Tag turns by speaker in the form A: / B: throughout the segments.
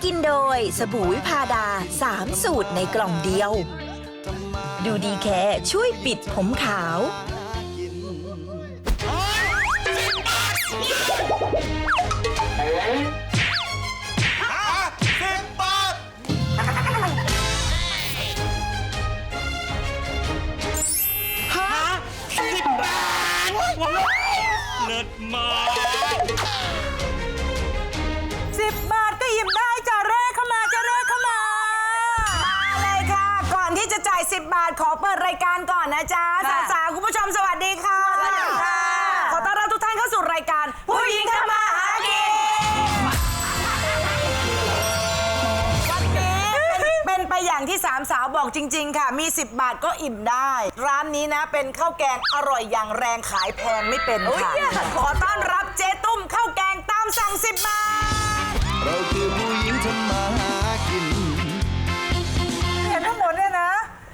A: กินโดยสบู่วิพาดา3 สูตรในกล่องเดียว ดูดีแค่ช่วยปิดผมขาว
B: เลิศมาก
C: 10 บาทก็หยิบได้จ้ะเร่เข้ามาจ้ะเร่เข้ามาเลยค่ะ ก่อนที่จะจ่าย10 บาทขอเปิดรายการก่อนนะจ๊ะสาวๆคุณผู้ชมสวัสดีค่ะสวัสดีค่ะขอต้อนรับทุกท่านเข้าสู่รายการผู้หญิงทำมาหากินวันนี้เป็นไปอย่างที่สามสาวบอกจริงๆค่ะมี10 บาทก็อิ่มได้ ร้านนี้นะเป็นข้าวแกงอร่อยอย่างแรงขายแพงไม่เป็นค่ะขอต้อนรับเจ๊ตุ้มข้าวแกงตามสั่ง10 บาท
D: เราคือผู้หญิงทำมาหากิน
C: เห็นทั้งหมดเนี่ยนะ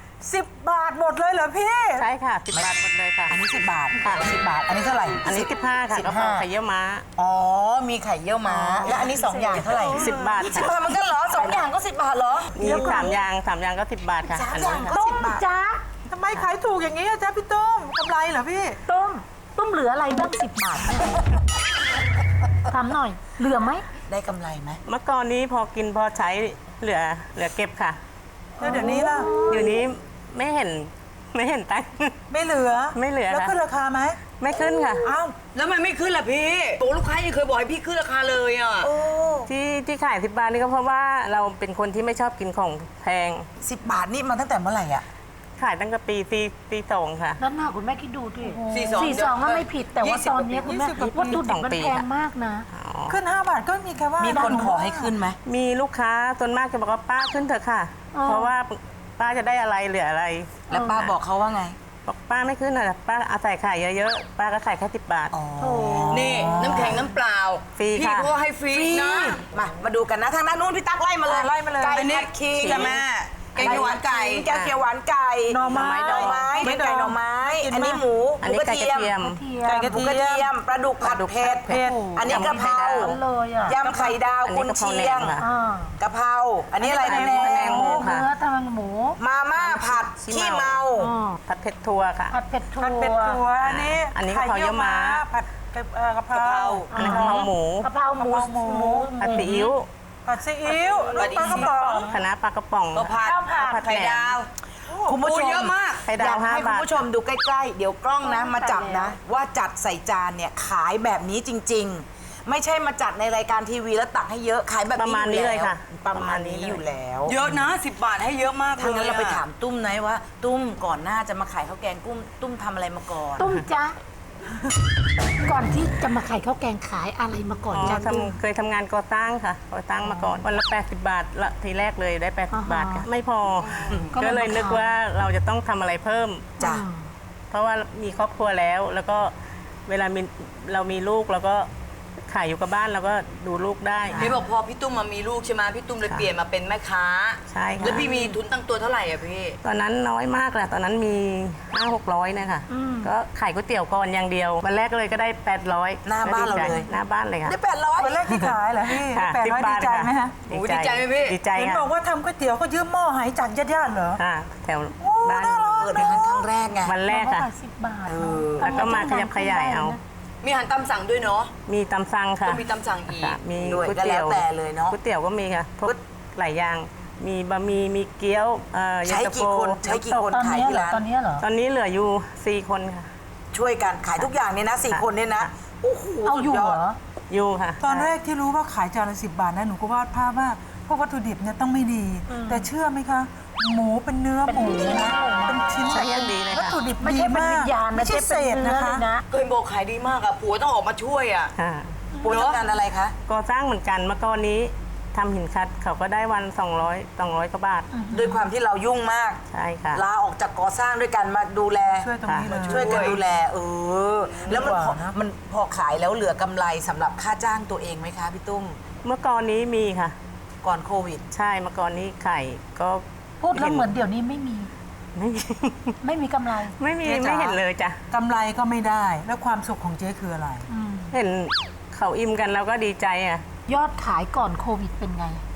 C: 10 บาทหมดเลยเหรอพี่
E: ใช่ค่ะ10 บาทหมดเลยค่ะ
C: อันนี้10 บาท
E: ค่ะ
C: 10 บาท อันนี้เท่าไหร่
E: อันนี้15ค่ะกระเพราไข่เยี่ยวม้า
C: อ๋อมีไข่เยี่ยวม้าและอันนี้2 อย่างเท่าไหร่
E: 10 บาท
C: 10 บาทมันก็เหรอ2 อย่างก็10 บาทเหรอ
E: มี3 อย่างก็10 บาทค่ะ
C: 3
E: อัน
C: อย่า
E: นี้
C: ง
E: ค่ะ
C: ก็10 บาท
F: จ๊ะ
G: ทำไมขายถูกอย่างนี้อะจ๊ะพี่ตุ้มกำไรเหรอพี่
F: ต้มเหลืออะไรบ้าง10 บาทเนี่ยถามหน่อย เหลือไหม
C: ได้กำไรไหม
E: เมื่อก่อนนี้พอกินพอใช้เหลือเก็บค่ะ
G: แล้วเดี๋ยวนี้ล่ะ
E: เดี๋ยวนี้ไม่เห็นตังค์
G: ไม่เหลือ
E: ไม่เหลือ
G: แล้ว
E: ค่ะ
G: ขึ้นราคาไหม
E: ไม่ขึ้นค่ะ
G: อ้าว
C: แล้วมันไม่ขึ้นล่ะพี่โอ้ลูกค้ายังเคยบอกให้พี่ขึ้นราคาเลยอ่ะ
E: ที่ขาย10 บาทนี่ก็เพราะว่าเราเป็นคนที่ไม่ชอบกินของแพง
C: 10 บาทนี่มาตั้งแต่เมื่อไหร่อ่ะ
E: ขายตั้งแต่ปี2ค่ะ
F: นั่นน่ะคุณแม่คิดดูดิ
C: 42
F: 42ก็ไม่ผิด แต่ว่าตอนนี้คุณแม่วัตถุดิบมันแพงมากนะ
G: ขึ้น 5 บาทก็มีแค่ว่า
C: มี
G: มี
C: คนขอให้ขึ้นไหม
E: มีลูกค้าส่วนมากจะบอกว่าป้าขึ้นเถอะค่ะ เพราะว่าป้าจะได้อะไรเหลืออะไร
C: แล้วป้าบอกเขาว่าไง
E: บอกป้าไม่ขึ้นอ่ะป้าเอาใส่ไข่เยอะๆ ป้าก็ขายแค่10 บาท
C: นี่น้ำแข็งน้ำเปล่า
E: ฟรี
C: พี่
E: ค่ะ
C: ก็ให้ฟรีนะ มาดูกันนะทางด้านนู้นพี่ตั๊กไล่มาเลย
G: ไล่มาเลย
C: ไก่ผัดขิง
E: จ้ะแม่
C: แกงเขียวหวานไก่แกงเขียวหวานไก่
G: หน่อไม้
C: หน่อไม้เป็นไก่หน่อไม้ อันนี้หมู
E: อันนี้ไก่กระเทียม
G: ไก่กระ
C: หมู
G: เที
C: กระเที
G: ย
C: ย
G: ม
C: มปลาดุกผัดเผ็ด
E: เผ็ด
C: อันนี้กะเพรา
F: เลยอ่ะ
C: ยำไข่ดาว
E: อันนี้
C: กุน
E: กะเพรา
C: เชียง
E: แหนมค่ะ
C: กะเพราอันนี้อะไร
E: อัน
C: แหน
E: นี้แหนมหมู
C: ม
E: ค่ะ
F: เนื้อทางหมู
C: มาม่าผัดขี้เมา
E: ผัดเผ็ดถั่วค่ะ
F: ผัดเผ็ดถั่ว
G: ผัดเป็ดถั่วอันนี้
E: อันนี้กะเพราเยี่ยวม้า
G: ผัดกะเพรา
E: อันนี้กะเพราหมู
F: กะเพราหมู
E: ผัดซีอิ๊ว
G: ผัดซีอิ๊วลูกปลากระป๋อง
E: คะน้าปลากระป๋อง
C: ผัด
E: ผัด
C: ไข่
E: แหน
C: ดาว
E: ม
C: คุณผู้ชมเยอะมาก
E: ไข่ดาว
C: อยากให้
E: 5
C: คุณ
E: บาท
C: ผู้ชมดูใกล้ๆ เดี๋ยวกล้องนะมาจับนะ ว่าจัดใส่จานเนี่ยขายแบบนี้จริง ๆ ไม่ใช่มาจัดในรายการทีวีแล้วตักให้เยอะขายแบบ
E: ประมาณนี้เลยค่ะ
C: ประมาณนี้อยู่แล้ว
H: เยอะนะ10 บาทให้เยอะมากเลย
C: ทางนั้นเราไปถามตุ้มนะว่า ตุ้มก่อนหน้าจะมาขายข้าวแกงกุ้มตุ้มทำอะไรมาก่อน
F: ตุ้มจ๊ะ ก่อนที่จะมาขายข้าวแกงขายอะไรมาก่อน
E: อ๋อ
F: จ๊ะตุ้ม
E: เคยทำงานก่อสร้างค่ะก่อสร้างมาก่อนวันละ80 บาทละทีแรกเลยได้80 บาทค่ะไม่พอ ก็เลยนึกว่าเราจะต้องทำอะไรเพิ่ม
C: จ้ะ
E: เพราะว่ามีครอบครัวแล้วก็เวลาเรามีลูกเราก็ขายอยู่กับบ้านเราก็ดูลูกได้
H: พี่บอกพอพี่ตุ้มมามีลูกใช่ไหมพี่ตุ้มเลยเปลี่ยนมาเป็นแม่ค้า
E: ใช่ค่ะ
H: แล้วพี่มีทุนตั้งตัวเท่าไหร่อะพี่
E: ตอนนั้นน้อยมากแหละตอนนั้นมี 500-600นะคะก็ขายก๋วยเตี๋ยวก่อนอย่างเดียว วันแรกเลยก็ได้800
C: หน้าบ้านเราเลย
E: หน้าบ้านเลยค่ะ
C: ได้800
G: วันแรกที่ขายเหรอพี่
E: ค่ะ
G: 800
E: 10
G: ดีใจไหมฮะ
H: โอ้ดีใจไหมพี่
E: ดีใจ
G: เห็น
E: ค่ะ
G: บอกว่าทำก๋วยเตี๋ยวก็ยืมหม้อหายจากญาติๆเหรอ
E: ค่ะแถวบ้าน
C: เปิดเป็นครั้งแรกไง
E: วันแรกค่ะ
F: ขาย10 บาท
E: แล้วก็มาขยับขยายเอา
H: มีอาหารตามสั่งด้วยเนาะ
E: มีตำสั่งค่ะ
H: ก็มีตามสั่งอีก
E: ค่ะมี
C: ด้วย
E: ก๋วย
C: ก็
E: เตี๋
C: แล้
E: ยว ว
C: แต่เลยเนาะ
E: ก๋วยเตี๋ยวก็มีค่ะพวกหลายอย่าง มีบะหมี่มีเกี๊ยวเย็น
C: ใช้
E: ตาโฟ
C: กี่คนใช้กี่คน
F: ตอน
C: ขาย
F: นี้
C: ที่
F: เหรอ
C: ร้าน
F: ตอนนี้เหรอ
E: ตอนนี้เหลืออยู่4 คนค่ะ
C: ช่วยกันขายทุกอย่างเนี่ยนะ4 คนเนี่ยนะโอ้โห
F: เอาอยู่
C: สุด
F: เหร
C: ด
F: อ
E: อยู่ค่ะ
G: ตอนแรกที่รู้ว่าขายจานละ10 บาทนะหนูก็วาดภาพว่าพวกวัตถุดิบเนี่ยต้องไม่ดี แต่เชื่อไหมคะ หมูเป็นเนื้อหมูนะเป็นชิ้น
E: ใช้อย่างดีเลยค่ะ
G: วัตถุดิบ
F: ไม่
G: ดี
F: ใช่เป็น
G: มา
F: วิ
G: ก
F: ญญาณ
G: ไม่ใช่เศษ
F: เป็นเนื้
G: นะ
F: อ
G: คะ
F: เลยนะ
H: เคยบอกขายดีมากอะผัวต้องออกมาช่วยอะ
E: ค่ะ
C: ปูทำงานอะไรคะ
E: ก่อสร้างเหมือนกันเมื่อก่อนนี้ทำหินคัดเขาก็ได้วัน200กว่าบาท
C: ด้วยความที่เรายุ่งมาก
E: ใช่ค่ะ
C: ลาออกจากก่อสร้างด้วยกันมาดูแล
G: ช่วยตรงนี้เลย
C: ช่วยกันดูแลแล้วมัน
G: ดีกว่านะ
C: มันพอขายแล้วเหลือกำไรสำหรับค่าจ้างตัวเองไหมคะพี่ตุ้ม
E: เมื่อก่อนนี้มีค่ะ
C: ก่อนโควิด
E: ใช่เมื่อก่อนนี้ไข่ก็
F: พูดแล้วเหมือนเดี๋ยวนี้ไม่มี
E: ไม่
F: ไม่มีกำไร
E: ไม่มีไม่เห็นเลยจ้ะ
G: กำไรก็ไม่ได้ แล้วความสุขของเจ๊คืออะไร
E: เห็นเขาอิ่มกันแล้วก็ดีใจอ่ะ
F: ยอดขายก่อนโควิดเป็นไง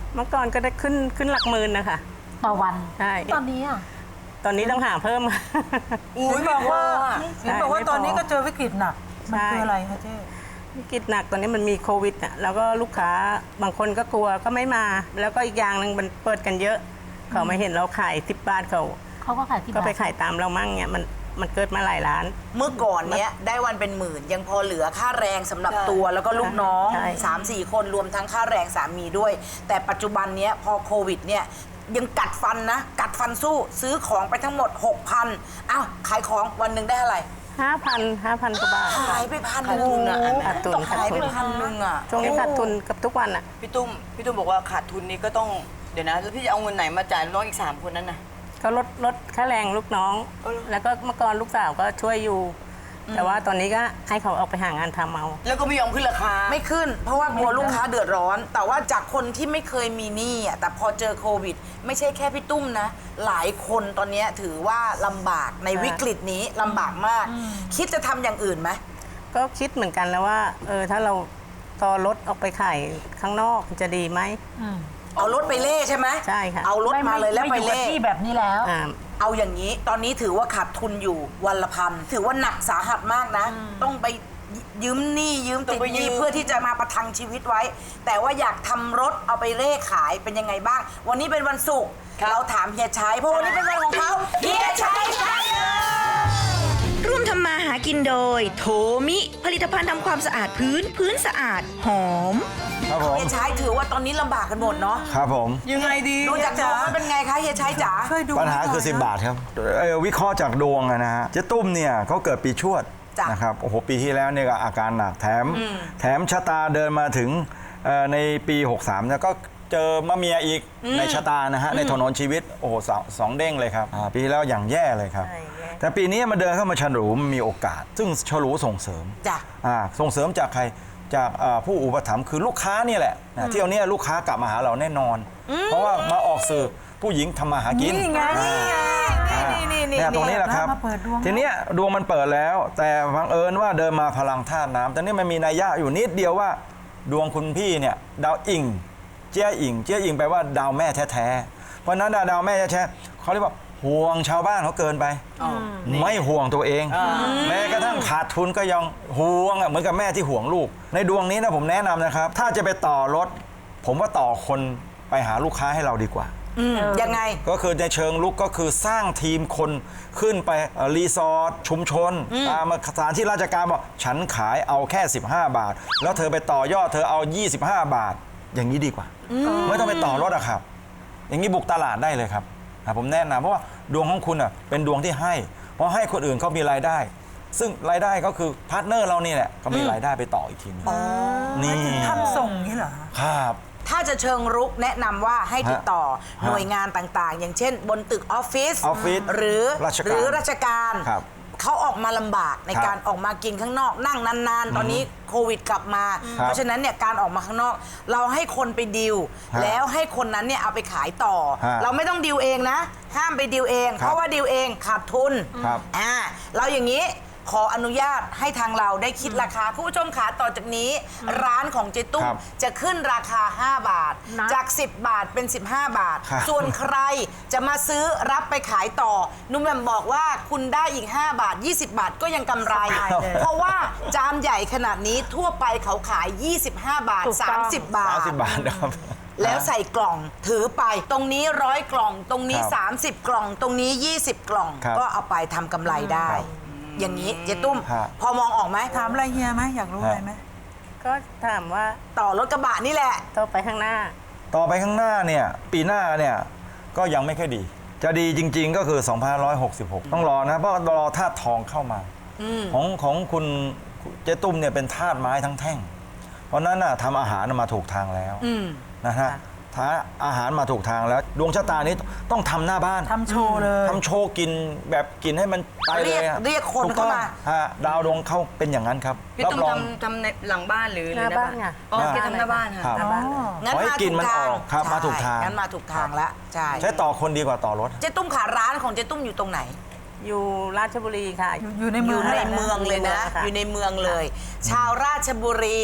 E: เมื่อก่อนก็ได้ขึ้นหลักหมื่นนะคะ
F: ต่อวัน
E: ใช่
F: ตอนนี้อ่ะ
E: ตอนนี้ต้องหาเพิ่ม
H: อุ้ย
G: บอกว่า
E: ใช่
G: เห็นบอกว่าตอนนี้ก็เจอวิกฤตหนัก มัน
E: ใช่
G: คืออะไรคะเจ๊
E: วิกฤตหนักตอนนี้มันมีโควิดอ่ะแล้วก็ลูกค้าบางคนก็กลัวก็ไม่มา แล้วก็อีกอย่างหนึ่งมันเปิดกันเยอะ เขามาเห็นเราขาย10 บาทเขา
F: ก็ขายที่
E: ก็
F: บ้าน
E: ไปขายตามเรามั่งเนี่ยมันเกิดมาหลายร้าน
C: เมื่อก่อนเนี้ยได้วันเป็นหมื่นยังพอเหลือค่าแรงสำหรับตัวแล้วก็ลูกน้อง
E: ใช่
C: 3-4 คนรวมทั้งค่าแรงสามีด้วย แต่ปัจจุบันเนี้ยพอโควิดเนี่ยยังกัดฟันนะ กัดฟันสู้ซื้อของไปทั้งหมด 6,000อ้าวขายของวันหนึ่งได้เท่าไหร่
E: 5,000 กว่าบาท
C: ขายไป1,000
H: อะ
E: ขาดทุน
C: ต้องขายไป
E: ขาดทุน
C: 1,000อ่ะ
E: ช่วงนี้ขาดทุนกับทุกวันอ่ะ
H: พี่ตุ้มบอกว่าขาดทุนนี้ก็ต้องเดี๋ยวนะแล้วพี่จะเอาเงินไหนมาจ่ายน้องอีก3 คนนั้นนะ
E: ก็ลดค่าแรงลูกน้อง แล้วก็เมื่อก่อนลูกสาวก็ช่วยอยู่ แต่ว่าตอนนี้ก็ให้เขาออกไปหางานทำเอา
H: แล้วก็ไม่ยอมขึ้นราคา
C: ไม่ขึ้น เพราะว่ากลัวลูกค้าเดือดร้อน แต่ว่าจากคนที่ไม่เคยมีหนี้อ่ะแต่พอเจอโควิด ไม่ใช่แค่พี่ตุ้มนะ หลายคนตอนเนี้ยถือว่าลำบากในวิกฤตนี้ลำบากมาก คิดจะทำอย่างอื่นไหม
E: ก็คิดเหมือนกันแล้วว่าถ้าเราต่อรถออกไปขายข้างนอกจะดีไหม
C: เอารถไปเล่ใช่ไหม
E: ใช่ค่ะ
C: เอารถมาเลยแล้วไป
F: ม่อยู่กับ
C: เล่
F: ที่แบบนี้แล้ว
E: อ่า
C: เอาอย่างนี้ตอนนี้ถือว่าขาดทุนอยู่วันละพันถือว่าหนักสาหัสมากนะ ต้องไปยืมหนี้ยืมติดหนี้เพื่อที่จะมาประทังชีวิตไว้ แต่ว่าอยากทำรถเอาไปเร่ขายเป็นยังไงบ้าง วันนี้เป็นวันศุกร์เราถามเฮียชัยเพราะวันนี้เป็นวันของเขาเฮียชัยครับ
A: ร่วมทำมาหากินโดย โทมิผลิตภัณฑ์ทำความสะอาดพื้นสะอาดหอม
I: ครับผม
C: เฮียชัยถือว่าตอนนี้ลำบากกันหมดเนาะ
I: ครับผม
H: ยังไงดี
C: ดูจากดวงมันเป็นไงคะเฮียชัยจ๋า
G: ช่วยดู
I: ปัญหาคือ 10 บาทครับวิเคราะห์จากดวงนะฮะเจ๊ตุ้มเนี่ยเขาเกิดปีชวด
C: จ้ะ
I: นะครับโอ้โหปีที่แล้วเนี่ยก็อาการหนักแถมชะตาเดินมาถึงในปี 63เนี่ยก็เจอมะเมียอีกในชะตานะฮะในถนนชีวิตโอ้โหสองเด้งเลยครับปีที่แล้วอย่างแย่เลยครับ
E: ใช่แย่
I: แต่ปีนี้มาเดินเข้ามาฉลูมันมีโอกาส ซึ่งฉลูส่งเสริม
C: จ้ะ
I: ส่งเสริมจากใครจากผู้อุปถัมภ์คือลูกค้านี่แหละนะเที่ยวเนี้ยลูกค้ากลับมาหาเราแน่นอน เพราะว่ามาออกสื่อผู้หญิงทำมาหากิน
C: นี่ไงนี่
I: เนี่ยตรงนี้แหละครับ
G: มาเปิดดวง
I: ทีเนี้ยดวงมันเปิดแล้ว แต่บังเอิญว่าเดินมาพลังธาตุน้ำแต่นี่มันมีนัยยะอยู่นิดเดียวว่าดวงคุณพี่เนี่ยดาวอิงเจี้ยอิงแปลว่าดาวแม่แท้ๆเพราะฉะนั้นดาวแม่แท้ๆเขาเรียกว่าห่วงชาวบ้านเขาเกินไปไม่ห่วงตัวเอง แม้กระทั่งขาดทุนก็ยังห่วงเหมือนกับแม่ที่ห่วงลูก ในดวงนี้นะผมแนะนำนะครับ ถ้าจะไปต่อรถ ผมว่าต่อคนไปหาลูกค้าให้เราดีกว่า
C: ยังไง
I: ก็คือในเชิงลุกก็คือสร้างทีมคนขึ้นไปรีสอร์ทชุมชนตามสถานที่ราชการบอกฉันขายเอาแค่ 15 บาท แล้วเธอไปต่อยอดเธอเอา 25 บาท อย่างนี้ดีกว่า ไม่ต้องไปต่อรถอะครับ อย่างนี้บุกตลาดได้เลยครับผมแนะนำเพราะว่าดวงของคุณอะเป็นดวงที่ให้เพราะให้คนอื่นเขามีรายได้ ซึ่งรายได้ก็คือพาร์ทเนอร์เรานี่แหละก็มีรายได้ไปต่ออีกทีนึงนี่
G: ทำส่งนี้เหรอ
I: ครับ
C: ถ้าจะเชิงรุกแนะนำว่าให้ติดต่อ
I: ฮะ
C: หน่วยงานต่างๆ อย่างเช่น บนตึกออฟฟิศ
I: ออฟฟิศ
C: หรือ
I: ราชการ
C: หรือราชการ
I: ครับ
C: เขาออกมาลำบากใน
I: ครับ
C: การออกมากินข้างนอกนั่งนานๆ ตอนนี้โควิดกลับมา
I: ครับ
C: เพราะฉะนั้นเนี่ยการออกมาข้างนอก เราให้คนไปดิว
I: ฮะ
C: แล้วให้คนนั้นเนี่ยเอาไปขายต่อ
I: ฮะ
C: เราไม่ต้องดิวเองนะ ห้ามไปดิวเอง
I: ครับ
C: เพราะว่าดิวเองขาดทุน
I: ครับ
C: เราอย่างนี้ขออนุญาตให้ทางเราได้คิดราคาคุณผู้ชมขาต่อจากนี้ ร้านของเจตุ้ม
I: ครับ
C: จะขึ้นราคา 5 บาท
F: นะ
C: จาก 10 บาทเป็น 15 บาท
I: ครับ
C: ส่วนใครจะมาซื้อรับไปขายต่อ นุ่มแหม่มบอกว่าคุณได้อีก 5 บาท 20 บาทก็ยังกำไร เพราะว่าจานใหญ่ขนาดนี้ทั่วไปเขาขาย 25 บาท
F: ถูกต้อง
C: 30 บาท
I: 30 บาทนะครับ
C: แล้วใส่กล่องถือไปตรงนี้100 กล่อง ตรงนี้
I: ครับ
C: 30 กล่อง ตรงนี้ 20 กล่อง
I: ครับ
C: ก็เอาไปทำกำไรได้ อย่างนี้เจ๊ตุ้ม
I: ฮะ
C: พอมองออกไหม
G: ถามอะไรเฮียไหมอยากรู้อะไรไหม
E: ก็ถามว่า
C: ต่อรถกระบะนี่แหละ
E: ต่อไปข้างหน้า
I: ต่อไปข้างหน้าเนี่ยปีหน้าเนี่ยก็ยังไม่ค่อยดี จะดีจริง ๆ ก็คือ2566 ต้องรอนะเพราะรอธาตุทองเข้ามาของคุณเจ๊ตุ้มเนี่ยเป็นธาตุไม้ทั้งแท่ง เพราะนั้นน่ะทำอาหารมาถูกทางแล้วนะฮะถ้าอาหารมาถูกทางแล้ว ดวงชะตานี้ต้องทำหน้าบ้าน
G: ทำโชว์เลย
I: ทำโชว์กินแบบกินให้มันไปเลยอะ
C: เรียกคน
I: ถูกต้อง
C: เข้ามา
I: ฮะดาวดวงเข้าเป็นอย่างนั้นครับ
H: พี่
I: รับ
H: ตุ้ม
I: รอง
H: ทำในหลังบ้านหรือ
E: หน้าบ้านไง
H: อ๋อแกทำหน้าบ้านค่ะ
I: ครับ
E: หน้าบ้านเลย
C: งั้น
I: ขอให้
C: มา
I: กิ
C: ถู
I: น
C: ก
I: มัน
C: ทาง
I: ออกครับมาถูกทาง
C: งั้นมาถูกทางแล้วใช่
I: ใช้ต่อคนดีกว่าต่อรถ
C: เจ๊ตุ้มขาร้านของเจ๊ตุ้มอยู่ตรงไหน
E: อยู่ราชบุรีค่ะ
G: อยู่ใน
C: อ
G: เมือง
C: ยู่ในเมืองเลยนะ
E: ค่ะ
C: อยู่ในเมืองเลย ชาวราชบุรี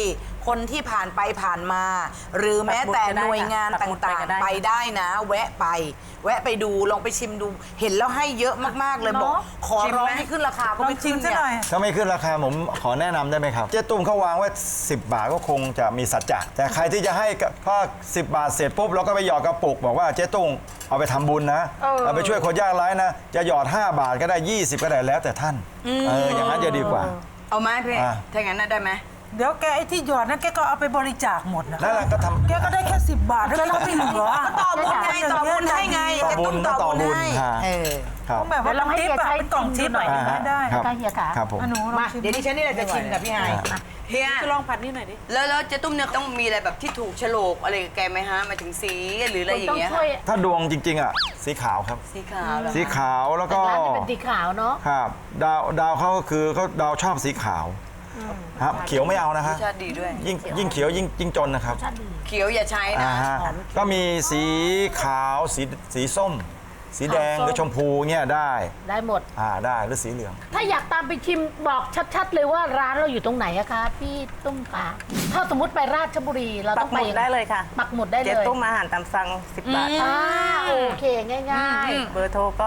C: คนที่ผ่านไปผ่านมา หรือแม้แต่หน่วยงานต่างๆ ไปได้นะ แวะไปดูลองไปชิมดู เห็นแล้วให้เยอะมากๆเลยบอกขอร้องให้ขึ้นราคาก็
G: ลอง
C: ไม่
G: ชิ
C: ขึ้
G: ม
C: น
G: ซะ
C: เนี่
G: หน่อย
C: ย
I: ถ้าไม่ขึ้นราคาผมขอแนะนำได้ไหมครับ เจ๊ตุ้มเขาวางไว้10 บาทก็คงจะมีสัจจะแต่ใครที่จะให้กับพอ10 บาทเสร็จปุ๊บเราก็ไปหยอดกระปุกบอกว่าเจ๊ตุ้มเอาไปทำบุญนะเอาไปช่วยคนยากไร้นะจะหยอด5 บาทก็ได้20ก็ได้แล้วแต่ท่านอย่างนั้นจะดีกว่า
H: เอาไหมพี่
I: อ่ะ
H: ถ้าอย่างนั้นน่ะได้ไหม
G: เดี๋ยวแกไอ้ที่หยอดนั้นแกก็เอาไปบริจาคหมดนะ
I: นั่นแหละก็ทำ
G: แกก็ได้แค่10 บาทแล้วแกก็ไม่เหลือ
C: ต่อบุญไงต่อบุญให้ไง
I: ต่อบุญ
C: จะต้อง
I: ต่อบุญ
C: ให้
I: ฮะ
C: เออ
I: ครับ
G: แบบว่า
F: เดี๋ยวลองให้
G: ทิป
F: เฮีย
G: อะ
F: ใช้
G: เป็นกล่องทิป
F: ชิมดูหน่อย
G: ได้
I: ครับ
F: ได้เฮียค่ะ
I: ครับผม
G: อ่ะหนูลอง
C: มา
G: ชิม
C: เดี๋ยวดิฉันนี่แหละจะชิมกับพี่ไฮ
H: เฮีย
C: จะลองผัดนี่หน่อยดิ
H: แล้วเจ๊ตุ้มเนี่ยต้องมีอะไรแบบที่ถูกโฉลกอะไรกับแกไหมฮะหมายถึงสีหรืออะไรอย่า
F: ต้อง
H: งเงี้ย
F: ช่วย
I: ถ้าดวงจริงๆอ่ะสีขาวครับ
H: สีขาวเหรอ
I: สีขาวแล้วก็
F: ร้านนี้เป็นสีขาวเนาะ
I: ครับดาวเขาก็คือเขาดาวชอบสีขาวครับเขียวไม่เอานะฮะ
H: รสชาติดีด้วย
I: ยิ่งเขียวยิ่งจนนะครับ
H: เขียวอย่าใช้นะ
I: ฮะก็มีสีขาวสีส้ม สีแดงหรือชมพูเนี่ยได้
F: ได้หมด
I: ได้หรือสีเหลือง
F: ถ้าอยากตามไปชิมบอกชัดๆเลยว่าร้านเราอยู่ตรงไหนอะคะพี่ตุ้มปาถ้าสมมติไปราชบุรีเรา
E: ปั
F: ต้อก ง
E: ห
F: ไป
E: มุดได้เลยค่ะ
F: ปักหมุดได้เล
E: เจ๊
F: ย
E: ตุ้มอาหารตามสั่ง10 บาท
F: โอเคง่าย
E: เบอร์โทรก็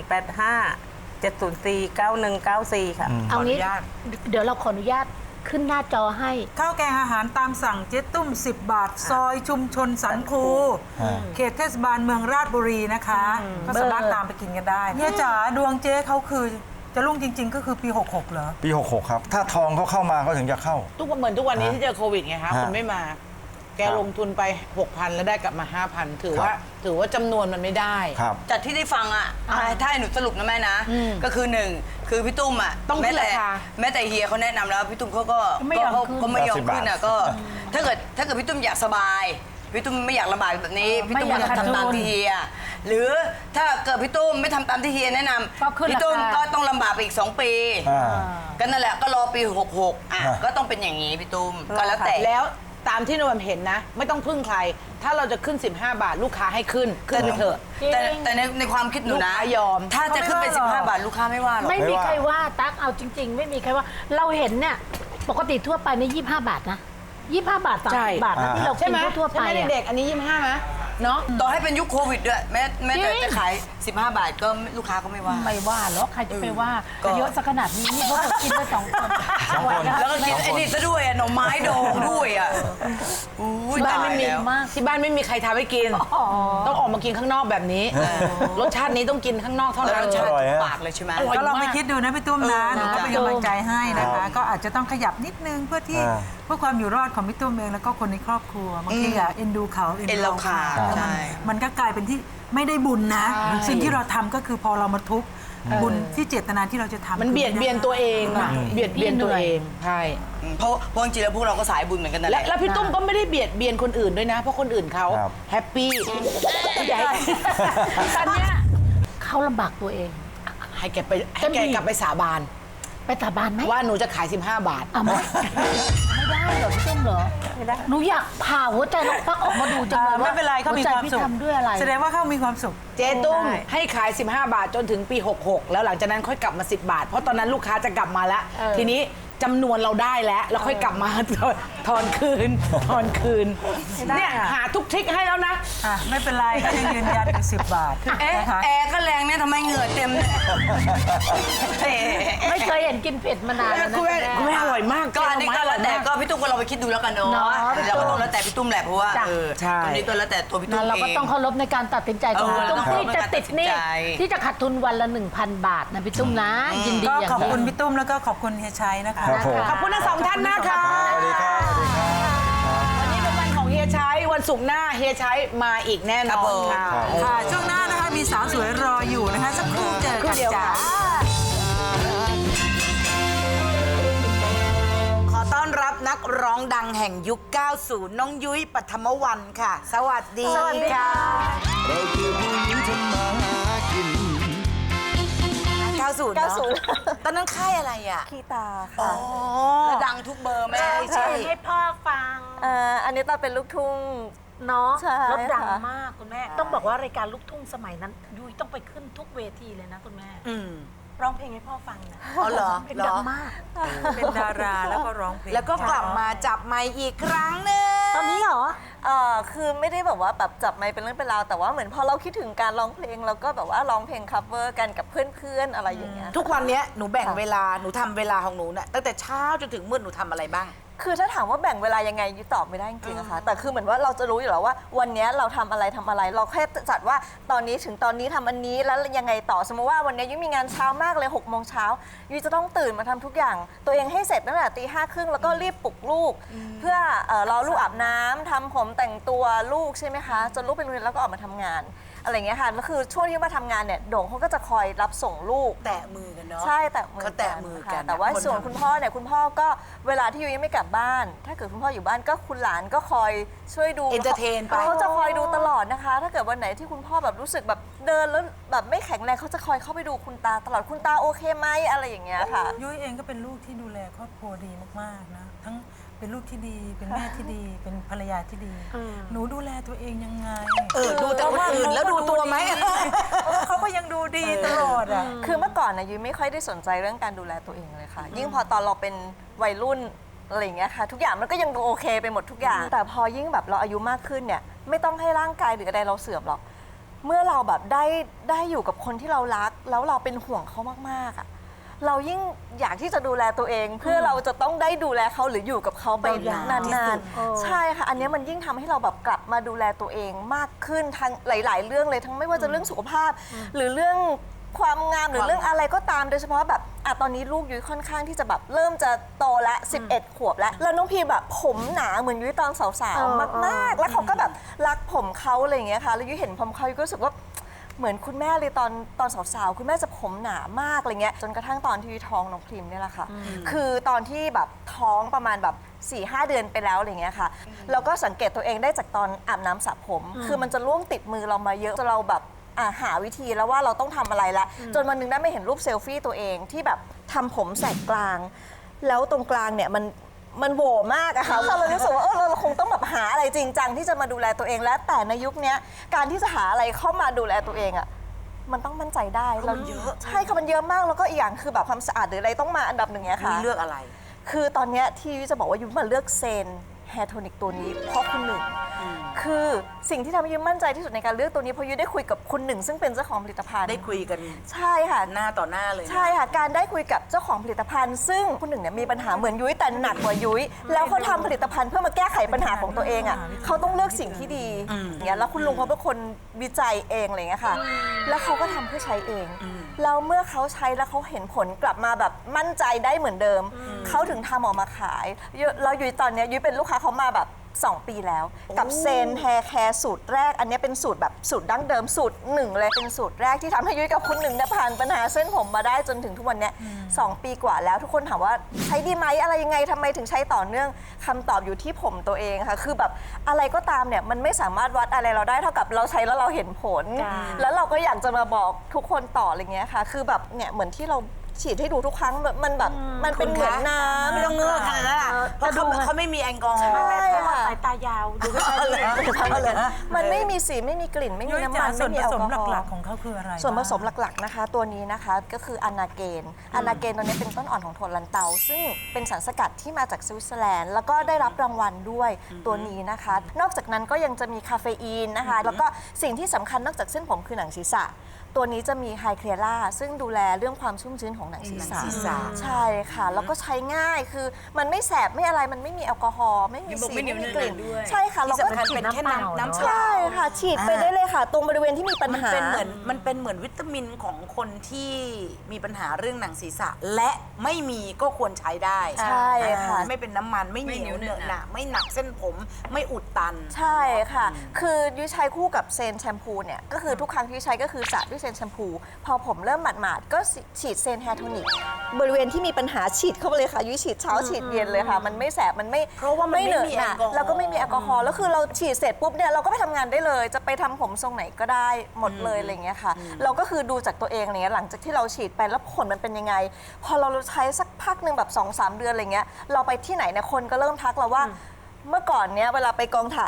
E: 085 704 9194 ค่ะ
F: ๆ เอางี้เดี๋ยวเราขออนุญาตขึ้นหน้าจอให้
G: ข้าวแกงอาหารตามสั่งเจ๊ตุ้ม 10 บาท ซอยชุมชนสันคู เขตเทศบาลเมืองราชบุรีนะคะ ก็สามารถตามไปกินกันได้เนี่ยจ๋าดวงเจ๊เขาคือจะรุ่งจริง ๆ ก็คือปี 66เหรอ
I: ปี 66 ครับ ถ้าทองเขาเข้ามาเขาถึงจะเข้า
J: ทุกวันเหมือนทุกวันนี้ที่เจอโควิดไงคะ
I: ฮะ
J: คุณไม่มา แกลงทุนไป 6,000 แล้วได้กลับมา 5,000 ถือว่าจำนวนมันไม่ได้
I: ครับ
H: จากที่ได้ฟังอ่ะถ้าให้หนูสรุปนะแม่นะ ก็คือหนึ่งคือพี่ตุ้มอ่ะ
J: ต้องขึ้นราคา
H: แม้แต่เฮียเขาแนะนำแล้วพี่ตุ้มเขาก็
F: ไม่ยอมขึ้น
H: ก็ไม่ยอมขึ้นอ่ะ
I: 80
H: ก็ถ้าเกิดพี่ตุ้มอยากสบายพี่ตุ้มไม่อยากลำบากแบบนี้พี่ตุ้ม
F: ไม่อยาก
H: จะทำตามที่เฮียหรือถ้าเกิดพี่ตุ้มไม่ทำตามที่เฮียแนะน
F: ก็ขึ้น
H: ำพี่ตุ้ม
F: ราคา
H: ก็ต้องลำบากไปอีก 2 ปี ก็นั่นแหละก็รอปี 66อ่ะก็ต้องเป็นอย่างนี้พี่ตุ้มก็แล้วแต่
J: แล้วตามที่นวลเห็นนะ ไม่ต้องพึ่งใคร ถ้าเราจะขึ้น 15 บาทลูกค้าให้ขึ้นไปเถอะ
H: แต่ในความคิดหนู
J: ลูก
H: นะ
J: ค้ายอม
H: ถ้าจะขึ้นเป็น15 บาทลูกค้าไม่ว่าหรอก
F: ไม่มีใครว่าตั๊กเอาจริง ๆ ไม่มีใครว่าเราเห็นเนี่ยปกติทั่วไปใน25 บาทนะ25 บาท
J: ใช่
F: 30 บาทนะที่เรา
J: ใช่
F: กิน
J: ไหม
F: ทั่วๆไป
J: ใช่ไหม
F: อะ
J: เด็กๆอันนี้ 25ไหมเนาะ
H: ต่อให้เป็นยุคโควิดด้วยแม้แต่จะขาย 15 บาทก็ลูกค้าก็ไม่ว่า
F: ไม่ว่าหรอกใครจะไปว่า
H: ก็
F: เยอะสักขนาดนี้นี่พวกเรากินไป2 คน
I: สองคน
H: แล้วก็กินไอ้นี่ซะด้วยอ่ะหน่อไม้ดองด้วยอ่ะอุ้ย
J: ที่บ้าน
H: ตาย
J: ไม่มี
H: แล้ว
F: มาก
J: ที่บ้านไม่มีใครทำให้กิน ต้องออกมากินข้างนอกแบบนี้ รสชาตินี้ต้องกินข้างนอกเท่า
H: แล้ว
J: นั้น
H: รสชาติ
I: อร่อยฮะ
H: ปากเลยใช่ไหม
J: อร่อย
G: ก็ลองไป
J: มาก
G: คิดดูนะพี่ตุ้มนะหนูก็เป็นกำลังใจให้นะคะ ก็อาจจะต้องขยับนิดนึงเพื่อที่
I: อ่า
G: เพื่อความอยู่รอดของพี่ตุ้มเองแล้วก็คนในครอบครัวบางทีอะเอ็นดูเขา
H: เอ็นเราขาด
G: แล้ว
H: ใช่
G: มันก็กลายเป็นที่ไม่ได้บุญนะ สิ่งที่เราทำก็คือพอเรามาทุกข์บุญที่เจตนาที่เราจะทำ
J: มันเบียดเบียนตัวเองอะเบียดเบียนตัวเองใช่
H: เพราะจริงๆแล้วพวกเราก็สายบุญเหมือนกันนั่นแห
J: และ
H: ละ
J: แล้วพี่ตุ้มก็ไม่ได้เบียดเบียนคนอื่นด้วยนะ เพราะคนอื่นเขา
I: ครับ
J: แฮปปี้ใหญ่
F: ตอนเนี้ยเขาลำบากตัวเอง
J: ให้แกกลับไปสาบาน
F: ไปสาบานไหม
J: ว่าหนูจะขาย 15 บาท
F: อ่ะไม่ได้เหรอพี่ตุ้มเหรอไม่ได้หนูอยากผ่าหัวใจน้องตั๊กออกมาดูจังเลยว่า
G: ไม่เป็นไรเขามีความสุข
F: หัใจพี่ทำด้วยอะไร
G: แสดงว่าเขามีความสุข
J: เจ๊ตุ้มให้ขาย 15 บาทจนถึงปี 66 แล้วหลังจากนั้นค่อยกลับมา 10 บาท เพราะตอนนั้นลูกค้าจะกลับมาแล้ว ทีนี้จำนวนเราได้แล้ว แล้วค่อยกลับมาทอนคืนเนี่ยหาทุกทริคให้แล้วนะ
G: อ่ะไม่เป็นไรก็ยังยืนยันอยู่10 บาท
H: เอ๊ะ
G: นะคะ
H: แอร์ก็แรงเนี่ยทำไมเหงื่อเต็มเนี่ยเอ๊ะ
F: ไม่เคยเห็นกินเผ็ดมานานแล้วนะ
J: คุณแม่อร่อยมาก
H: ก็อันนี้ก็แล้วแต่ก็พี่ตุ้มก็เราไปคิดดูแล้วกันเนาะ
F: เนาะ
H: เราก็ต้องแล้วแต่พี่ตุ้มแหละเพราะว่า
F: จ้ะ
J: ใช่
H: ตรงนี้ก็แล้วแต่ตัวพี่ตุ้
F: นั่
H: ม
F: นเรา
H: เอ
F: ก็
H: ง
F: ต้องเคารพในการตัดสินใจของพี่ตุ้ม
H: เออ
F: ที่จะติดหนี่
H: ต้องเคารพในการตัดสินใจ
F: ที่จะขาดทุนวันละ 1,000 บาทนะพี่ตุ้มนะ ยินดี
G: ก็
F: อย่าง
G: ขอบคุณ
F: ยิ่ง
G: พี่ตุ้มแล้วก็ขอบคุณเฮียชัยนะคะ
I: ครับผม
J: ขอบคุณทั้งสองท่านนะคะ
I: สวัสดีครับสวัสดีครับ
J: วันนี้เป็นวันของเฮียชัยวันศุกร์หน้าเฮียชัยมาอีกแน่นอนค่ะ
G: ค่ะ ช่วงหน้านะคะมีสาวสวยรออยู่นะคะ สักครู่เจอ
J: ครู่
G: กัน
J: เดียว
G: จ้า
J: ค่ะ
C: ขอต้อนรับนักร้องดังแห่งยุค 90 น้องยุ้ยปฐมวรรณค่ะ สวัสดีค่ะ
D: เราคือผู้หญิงทำมาหากิน
C: 90 เนอะตอนนั้นค่ายอะไรอ่ะ
K: คีตาค่ะ
H: แล้วดังทุกเบอร์แม่
C: ใช่
F: ให้พ่อฟัง
K: อันนี้ตอนเป็นลูกทุ่ง
F: เนาะ
K: ใช่
F: แล้วดัง
K: ค่ะ
F: มากคุณแม่ ต้องบอกว่ารายการลูกทุ่งสมัยนั้นยุ้ยต้องไปขึ้นทุกเวทีเลยนะคุณแม่
C: อืม
K: ร้องเพลงให้พ่อฟังนะ
C: อ๋อเหรอ
F: เป็นดังมาก
G: เป็นดาราแล้วก็ร้องเพลง
C: แล้วก็กลับมาจับไมค์อีกครั้งหนึ่ง
F: ตอนนี้เหรอ
K: คือไม่ได้แบบว่าแบบจับไมค์เป็นเรื่องเป็นราวแต่ว่าเหมือนพอเราคิดถึงการร้องเพลงเราก็แบบว่าร้องเพลง cover กันกับเพื่อนๆอะไรอย่างเงี้ย
C: ทุกวันเนี้ยหนูแบ่งเวลาหนูทำเวลาของหนูเนี่ยตั้งแต่เช้าจนถึงมืดหนูทำอะไรบ้าง
K: คือถ้าถามว่าแบ่งเวลายังไงยุ้ยตอบไม่ได้จริงๆอะค่ะแต่คือเหมือนว่าเราจะรู้อยู่แล้วว่าวันเนี้ยเราทำอะไรเราแค่จัดว่าตอนนี้ถึงตอนนี้ทำอันนี้แล้วยังไงต่อสมมติว่าวันเนี้ยยุ้ยมีงานเช้ามากเลย6 โมงเช้ายุ้ยจะต้องตื่นมาทำทุกอย่าง ตัวเองให้เสร็จตั้งแต่ตี 5:30แล้วก็รีบปลุกลูก เพื่อรอลูกอาบน้ำทำผมแต่งตัวลูกใช่ไหมคะจนลูกไปโรงเรียนแล้วก็ออกมาทำงานอะไรอย่างเงี้ยค่ะแล้วคือช่วงที่มาทำงานเนี่ยโด่งเขาก็จะคอยรับส่งลูก
C: แตะมือกันเนาะ
K: ใช่แตะมือ
C: เขาแตะมือกัน
K: ค่ะแต่ว่า
C: คน
K: ส่วน
C: ทำ
K: คุณพ่อเนี่ยคุณพ่อก็เวลาที่ยุ้ยยังไม่กลับบ้าน ถ้าเกิดคุณพ่ออยู่บ้านก็คุณหลานก็คอยช่วยดู
C: entertain ไป
K: เขาจะคอยดูตลอดนะคะ ถ้าเกิดวันไหนที่คุณพ่อแบบรู้สึกแบบเดินแล้วแบบไม่แข็งแรงเขาจะคอยเข้าไปดูคุณตาตลอดคุณตาโอเคไหมอะไรอย่างเงี้ยค่ะ
G: ยุ้ยเองก็เป็นลูกที่ดูแลครอบครัวดีมากๆนะทั้งเป็นลูกที่ดีเป็นแม่ที่ดีเป็นภรรยาที่ดี หนูดูแลตัวเองยังไง
C: ดูแต่คนอื่นแล้วดูตัวไหม
G: เขาก็ยังดูดีตลอดอ่ะ
K: คือเมื่อก่อนนะยุ้ยไม่ค่อยได้สนใจเรื่องการดูแลตัวเองเลยค่ะ ยิ่งพอตอนเราเป็นวัยรุ่นอะไรอย่างเงี้ยค่ะทุกอย่างมันก็ยังดูโอเคไปหมดทุกอย่าง แต่พอยิ่งแบบเราอายุมากขึ้นเนี่ยไม่ต้องให้ร่างกายหรืออะไรเราเสื่อมหรอกเมื่อเราแบบได้อยู่กับคนที่เรารักแล้วเราเป็นห่วงเขามากๆอ่ะเรายิ่งอยากที่จะดูแลตัวเอง เพื่อเราจะต้องได้ดูแลเขาหรืออยู่กับเขาไปนานๆใช่ค่ะอันนี้มันยิ่งทำให้เราแบบกลับมาดูแลตัวเองมากขึ้นทั้งหลาย ๆ เรื่องเลยทั้งไม่ว่าจะเรื่องสุขภาพ หรือเรื่องความงามหรือเรื่องอะไรก็ตามโดยเฉพาะแบบตอนนี้ลูกยุ้ยค่อนข้างที่จะแบบเริ่มจะโตละ11 ขวบแล้วแล้วน้องพีแบบผมหนาเหมือนยุ้ยตอนสาวๆมากๆแล้วเขาก็แบบรักผมเขาอะไรอย่างเงี้ยค่ะแล้วยุ้ยเห็นผมเขายุ้ยก็รู้สึกว่าเหมือนคุณแม่เลยตอนสาวๆคุณแม่จะผมหนามากอะไรเงี้ยจนกระทั่งตอนที่ท้องน้องพริมเนี่ยแหละค่ะคือตอนที่แบบท้องประมาณแบบ 4-5 เดือนไปแล้วอะไรเงี้ยค่ะเราก็สังเกตตัวเองได้จากตอนอาบน้ำสระผม คือมันจะล่วงติดมือเรามาเยอะจนเราแบบหาวิธีแล้วว่าเราต้องทำอะไรละจนวันหนึงได้ไม่เห็นรูปเซลฟี่ตัวเองที่แบบทำผมแสกกลาง แล้วตรงกลางเนี่ยมันโหว่มากอะค่ะเราเลยรู้สึกว่าเราคงต้องแบบหาอะไรจริงจังที่จะมาดูแลตัวเองและแต่ในยุคนี้การที่จะหาอะไรเข้ามาดูแลตัวเองอะมันต้องมั่นใจได้เราเยอะใช่ค่ะมันเยอะมากแล้วก็อีกอย่างคือแบบความสะอาดหรืออะไรต้องมาอันดับหนึ่งเนี้ยค่ะ
C: เลือกอะไร
K: คือตอนเนี้ยที่ยุ้ยจะบอกว่ายุ้ยมาเลือกเซนแฮร์โทนิกตัวนี้เพราะคุณหนึ่งคือสิ่งที่ทำให้ยุ้ยมั่นใจที่สุดในการเลือกตัวนี้เพราะยุ้ยได้คุยกับคุณหนึ่งซึ่งเป็นเจ้าของผลิตภัณฑ์
C: ได้คุยกัน
K: ใช่ค่ะ
C: หน้าต่อหน้าเลยนะ
K: ใช่ค่ะการได้คุยกับเจ้าของผลิตภัณฑ์ ซึ่งคุณหนึ่งเนี่ยมีปัญหาเหมือนยุ้ยแต่หนักกว่ายุ้ยแล้วเขาทำผลิตภัณฑ์เพื่อมาแก้ไขปัญหาของตัวเองอ่ะเขาต้องเลือกสิ่งที่ดีอย่างเงี้ยแล้วคุณลุงเขาเป็นคนวิจัยเองอะไรเงี้ยค่ะแล้วเขาก็ทำเพื่อใช้เองแล้วเมื่อเขาใช้แล้วเขาเห็นผลกลับมาแบบมั่นใจได้เหมือนเดิมเขาถึงทำออกมาขายแล้วยุ้ยตอนเนี้ยยุ้ยเป็นลูกค้าเขามาแบบ2 ปีแล้วกับเซนแฮร์แคร์สูตรแรกอันนี้เป็นสูตรแบบสูตรดั้งเดิมสูตรหนึ่งเลยเป็นสูตรแรกที่ทำให้ยุ้ยกับคุณหนึ่งเนี่ยผ่านปัญหาเส้นผมมาได้จนถึงทุกวันเนี้ย2 ปีกว่าแล้วทุกคนถามว่าใช้ดีไหมอะไรยังไงทำไมถึงใช้ต่อเนื่องคำตอบอยู่ที่ผมตัวเองค่ะคือแบบอะไรก็ตามเนี่ยมันไม่สามารถวัดอะไรเราได้เท่ากับเราใช้แล้วเราเห็นผล แล้วเราก็อยากจะมาบอกทุกคนต่ออะไรเงี้ยค่ะคือแบบเนี่ยเหมือนที่เราฉีดให้ดูทุกครั้งมันแบบมันเป็นเหมือนน้ำ
C: ไม่ต้องเงือกขนาดนั้นเพราะเขาไม่มีแอลกอฮอล์
K: ใช่ค่ะ
F: สายตายาวดูไม่ค่อยดี
K: มันไม่มีสีไม่มีกลิ่นไม่มี
G: ยุ้ย
K: น้ำ
G: จ๋า
K: มัน
G: ส่
K: ไม่
G: วน
K: มี
G: ผ
K: แอล
G: ส
K: ก
G: ม
K: อฮอล์
G: หลักๆของเขาคืออะไร
K: ส่วนผสม
G: บ้าง
K: หลักๆนะคะ ตัวนี้นะคะก็คืออนาเกนตัวนี้เป็นต้นอ่อนของถั่วลันเตา ซึ่งเป็นสารสกัดที่มาจากสวิตเซอร์แลนด์แล้วก็ได้รับรางวัลด้วยตัวนี้นะคะ นอกจากนั้นก็ยังจะมีคาเฟอีนนะคะ แล้วก็สิ่งที่สำคัญนอกจากเส้นผมคือหนังศีรษะ ตัวนี้จะมีไฮเคลียร่าซึ่งดูแลเรื่องความชุ่มชื้นของหนังศีรษะใช่ค่ะแล้วก็ใช้ง่ายคือมันไม่แสบไม่อะไรมันไม่มีแอลกอฮอล์ไม่มีสีไม่มีกลิ่นใช่ค่ะแล้วก็
C: ที่สำคัญเป็นแค่น้ำเปล่า
K: ใช่ค่ะฉีดไปได้เลยค่ะ ตรงบริเวณที่มีปัญ
C: มัน
K: หา
C: เป็นเหมือนวิตามินของคนที่มีปัญหาเรื่องหนังศีรษะ และไม่มีก็ควรใช้ได้
K: ใช่ค่ะ
C: ไม่เป็นน้ำมันไม่เหนียวเหนอะหนะไม่หนักเส้นผมไม่อุดตัน
K: ใช่ค่ะ คือยุ้ยใช้คู่กับเซนแชมพูเนี่ยก็คือทุกครั้งที่ยุ้ยใช้ก็คือสระด้วยเซนแชมพูพอผมเริ่มหมาดๆก็ฉีดเซนแฮร์โทนิกบริเวณที่มีปัญหาฉีดเข้าไปเลยค่ะยุ้ยฉีดเช้าฉีดเย็นเลยค่ะมันไม่แสบมันไม่
C: เพราะว่ามันไม่
K: เหนอะ
C: มี
K: หนะ
C: แอลกอฮอล์
K: แล้วก็ไม่มีแอลกอฮอล์แล้วคือเราฉีดเสร็จปุ๊บเนี่ยเราก็ไปทำงานได้เลย จะไปทำผมทรงไหนก็ได้หมดเลยอะไรเงี้ยค่ะเราก็คือดูจากตัวเองอะไรเงี้ยหลังจากที่เราฉีดไปแล้วผลมันเป็นยังไง พอเราใช้สักพักหนึ่งแบบ 2-3 เดือนอะไรเงี้ยเราไปที่ไหนเนี่ยคนก็เริ่มทักเราว่าเมื่อก่อนเนี้ยเวลาไปกองถ่ายอ่ะ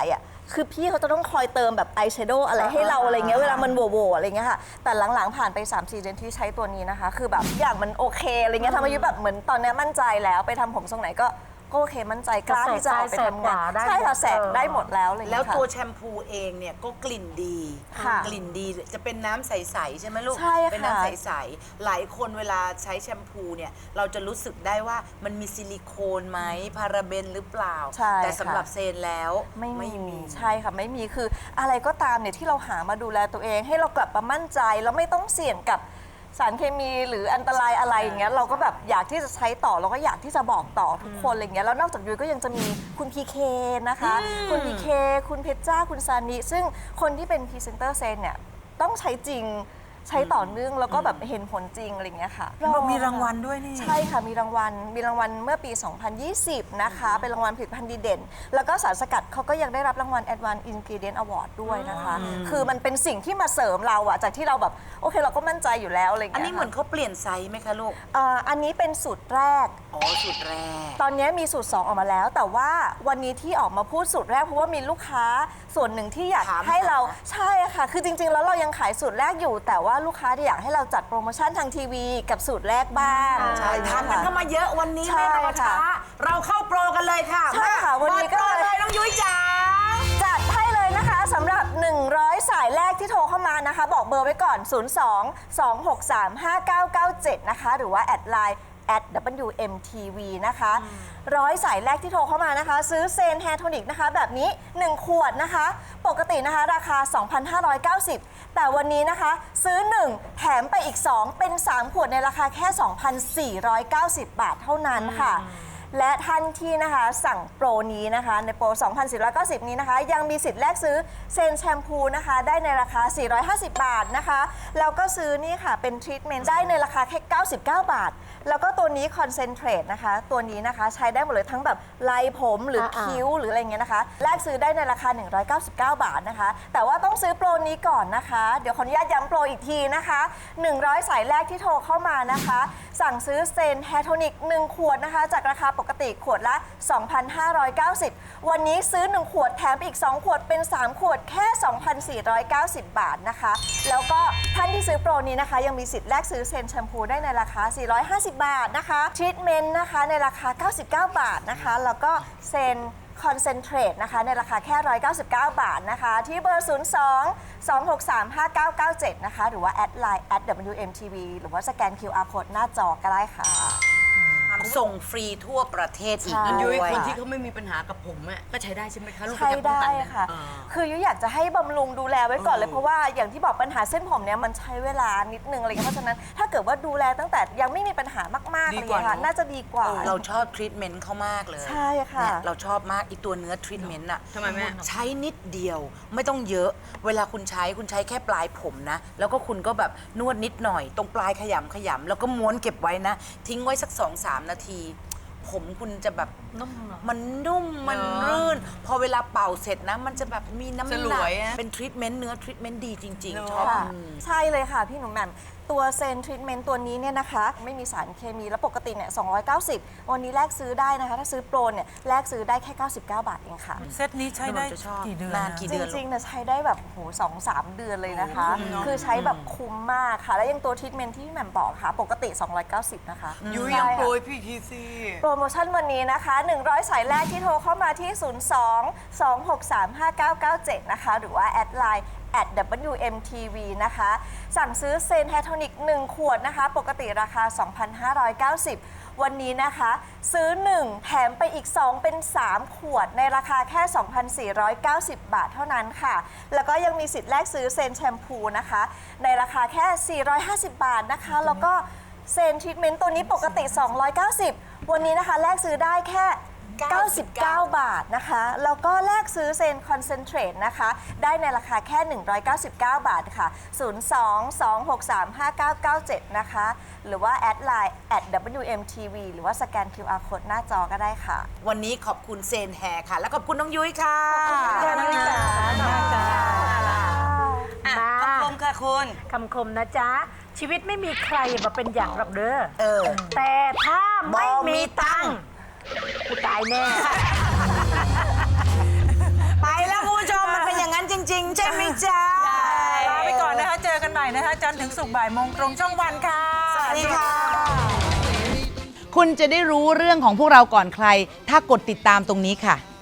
K: คือพี่เขาจะต้องคอยเติมแบบอายแชโดว์อะไรให้เราอะไรเงี้ยเวลามันโหวๆอะไรเงี้ยค่ะแต่หลังๆผ่านไป 3-4 เดือนที่ใช้ตัวนี้นะคะคือแบบอย่างมันโอเคอะไรเงี้ยทำให้ยุ้ยแบบเหมือนตอนนี้มั่นใจแล้วไปทำผมทรงไหนก็โอเคมั่นใจกล้าที่จะออกไปทำงานใช่ค่ะแสกได้หมดแล้วเลย
J: แล้วตัวแชมพูเองเนี่ยก็กลิ่นดี
K: ค่ะ
J: กลิ่นดีจะเป็นน้ำใสๆใช่ไหมลูก
K: ใช่ค่ะ
J: เป็นน้ำใสๆหลายคนเวลาใช้แชมพูเนี่ยเราจะรู้สึกได้ว่ามันมีซิลิโคนไหมพาราเบนหรือเปล่า
K: ใช่
J: แต่สำหรับ
K: ค่ะ
J: เซนแล้ว
K: ไม่มีใช่ค่ะไม่มีคืออะไรก็ตามเนี่ยที่เราหามาดูแลตัวเอง ให้เรากลับมามั่นใจแล้วไม่ต้องเสี่ยงกับสารเคมีหรืออันตรายอะไรอย่างเงี้ยเราก็แบบอยากที่จะใช้ต่อเราก็อยากที่จะบอกต่อทุกคนอะไรเงี้ยแล้วนอกจากยุ้ยก็ยังจะมีคุณพีเคนะคะคุณพีเคคุณเพชรจ้าคุณซานิซึ่งคนที่เป็นพรีเซนเตอร์เซนเนี่ยต้องใช้จริงใช้ต่อเนื่องแล้วก็แบบเห็นผลจริงอะไรเงี้ยค่ะ
G: บอกมีรางวัลด้วยนี่
K: ใช่ค่ะมีรางวัลเมื่อปี 2020 นะคะเป็นรางวัลผลิตภัณฑ์ดีเด่น แล้วก็สารสกัดเขาก็ยังได้รับรางวัล Advanced Ingredient Award ด้วยนะคะ คือมันเป็นสิ่งที่มาเสริมเราอะจากที่เราแบบโอเคเราก็มั่นใจอยู่แล้วอะไรอย่าง
J: อัน
K: เงี้ย
J: นี้เหมือนเขาเปลี่ยนไซส์ไหมคะลูก
K: อันนี้เป็นสูตรแรก
J: อ๋อสูตรแรก
K: ตอนนี้มีสูตร 2 ออกมาแล้ว แต่ว่าวันนี้ที่ออกมาพูดสูตรแรกเพราะว่ามีลูกค้าส่วนหนึ่งที่อยาก
J: ถาม
K: ให้เรา
J: หา
K: ใช่ค่ะ คือจริงๆแล้วเรายังขายสูตรแรกอยู่ แต่ว่าลูกค้าอยากให้เราจัดโปรโมชั่นทางทีวีกับสูตรแรกบ้าง
J: ใช่ทำกันเข้ามาเยอะวันนี้
K: ใช่
J: ไม่รอช้า
K: ค่ะ
J: เราเข้าโปรกันเลยค่ะ
K: ใช่ค่ะวันนี้ก็
J: เปิดโปรเลยน้องยุ้ยจ๋า
K: จัดให้เลยนะคะสำหรับ 100 สายแรกที่โทรเข้ามานะคะ บอกเบอร์ไว้ก่อน 02-263-5997 นะคะ หรือว่าแอดไลน์@WMTV นะคะ100 สายแรกที่โทรเข้ามานะคะ ซื้อเซนแฮร์โทนิกนะคะแบบนี้ 1 ขวดนะคะ ปกตินะคะราคา 2,590 แต่วันนี้นะคะ ซื้อ 1 แถมไปอีก 2 เป็น 3 ขวดในราคาแค่ 2,490 บาทเท่านั้นค่ะ และท่านที่นะคะสั่งโปรนี้นะคะในโปร 2,490 นี้นะคะ ยังมีสิทธิ์แลกซื้อเซนแชมพูนะคะได้ในราคา 450 บาทนะคะแล้วก็ซื้อนี่ค่ะเป็นทรีทเมนต์ได้ในราคาแค่ 99 บาท แล้วก็ตัวนี้คอนเซนเทรตนะคะตัวนี้นะคะใช้ได้หมดเลยทั้งแบบไล่ผมหรือคิ้วหรืออะไรเงี้ยนะคะแลกซื้อได้ในราคา 199 บาทนะคะแต่ว่าต้องซื้อโปรนี้ก่อนนะคะเดี๋ยวขออนุญาตย้ำโปรอีกทีนะคะ100 สายแรกที่โทรเข้ามานะคะสั่งซื้อเซนแฮร์โทนิก1 ขวดนะคะจากราคาปกติขวดละ 2,590 วันนี้ซื้อ 1 ขวดแถมอีก 2 ขวดเป็น 3 ขวดแค่ 2,490 บาทนะคะแล้วก็ท่านที่ซื้อโปรนี้นะคะยังมีสิทธิ์แลกซื้อเซนแชมพูได้ในราคา 450 บาทนะคะทรีทเมนต์นะคะในราคา 99 บาทนะคะแล้วก็เซนคอนเซนเทรตนะคะในราคาแค่ 199 บาทนะคะที่เบอร์ 02-263-5997 นะคะหรือว่าแอดไลน์ @WMTV หรือว่าสแกน QR Code หน้าจอก็ได้ค่ะ
J: ส่งฟรีทั่วประเทศอีก
K: ใช่
J: ด้
H: ยุ้
J: วย ย
H: คนที่เขาไม่มีปัญหากับผมอะก็ใช้ได้ใช่ไหมคะลูก
K: ใช้
H: ประหยัป้อง
K: ได้
H: กันน
K: ค่ะ คือยุ้ยอยากจะให้บำรุงดูแลไว้ก่อนเลยเพราะว่าอย่างที่บอกปัญหาเส้นผมเนี่ยมันใช้เวลานิดนึงอะไรเงี้ยเพราะฉะนั้นถ้าเกิดว่าดูแลตั้งแต่ยังไม่มีปัญหามากๆอะไรเงี้ยค่ะน่าจะดีกว่า
J: เราชอบทรีทเมนต์เขามากเลย
K: ใช่ค่ะ
J: เนี่ยเราชอบมากอีตัวเนื้อทรีทเมนต์อะ
H: ทำไมแม่
J: ใช้นิดเดียวไม่ต้องเยอะ เวลาคุณใช้แค่ปลายผมนะ แล้วก็คุณก็แบบนวดนิดหน่อย ตรงปลายขยำแล้วก็ม้วนเก็บไว้นะ ทิ้งไว้สัก 2-3 นาที ผมคุณจะแบบมันนุ่มมันรื่น พอเวลาเป่าเสร็จนะ มันจะแบบมีน้ำห
H: สล
J: นัก
H: วยอะ
J: เป็นทรีทเมนต์เนื้อทรีทเมนต์ดีจริง ๆ ชอบ
K: ค่ะใช่เลยค่ะพี่หนุ่มแหม่มตัวเซนทรีทเมนต์ตัวนี้เนี่ยนะคะไม่มีสารเคมีแล้วปกติเนี่ย290 วันนี้แลกซื้อได้นะคะถ้าซื้อโปรเนี่ยแลกซื้อได้แค่ 99 บาทเองค่ะ
G: เซตนี้ใช้ได้
J: จะชอบ
G: กี่เดือน
J: นาน
G: อะ
J: กี่
K: จ
J: เดือน
K: ริงๆเนี่ยใช้ได้แบบโห2-3 เดือนเลยนะคะ คือใช้แบบคุ้มมากค่ะ แล้วยังตัวทรีทเมนต์ที่พี่แหม่มบอกค่ะ ปกติ 290 นะคะ
H: ยุ้ยยัง
K: ใช่ค่ะ
H: โปรยพี่ทีซี
K: โปรโมชั่นวันนี้นะคะ 100 สายแรกที่โทรเข้ามาที่ 02-263-5997 นะคะ หรือว่าแอดไลน์@WMTV นะคะ สั่งซื้อเซนแฮร์โทนิก 1 ขวดนะคะ ปกติราคา 2,590 วันนี้นะคะ ซื้อ 1 แถมไปอีก 2 เป็น 3 ขวดในราคาแค่ 2,490 บาทเท่านั้นค่ะ แล้วก็ยังมีสิทธิ์แลกซื้อเซนแชมพูนะคะ ในราคาแค่ 450 บาทนะคะ แล้วก็เซนทรีทเมนต์ตัวนี้ปกติ 290 วันนี้นะคะแลกซื้อได้แค่ 99 บาทนะคะ แล้วก็แลกซื้อเซนคอนเซนเทรตนะคะ ได้ในราคาแค่ 199 บาทค่ะ 02-263-5997 นะคะ หรือว่าแอดไลน์ @WMTV หรือว่าสแกน QR Code หน้าจอก็ได้ค่ะ
J: วันนี้ขอบคุณเซนแฮร์ค่ะ และขอบคุณน้องยุ้ยค่ะ
H: คำคมค่ะคุณ
F: คำคมนะจ๊ะ ชีวิตไม่มีใครมาเป็นอย่างหรอกเด้อ
J: เออ
F: แต่ถ้าไม่มีตังค์กูตายแน่
J: ไปแล้วคุณผู้ชม
C: ริง ๆ ใช่ไหมจ๊ะ
G: ลาไปก่อนนะคะ เจอกันใหม่นะคะ จันทร์ถึงศุกร์บ่ายโมงตรงช่องวันค่ะ
C: สวัสดีค่ะ
J: คุณจะได้รู้เรื่องของพวกเราก่อนใคร ถ้ากดติดตามตรงนี้ค่ะ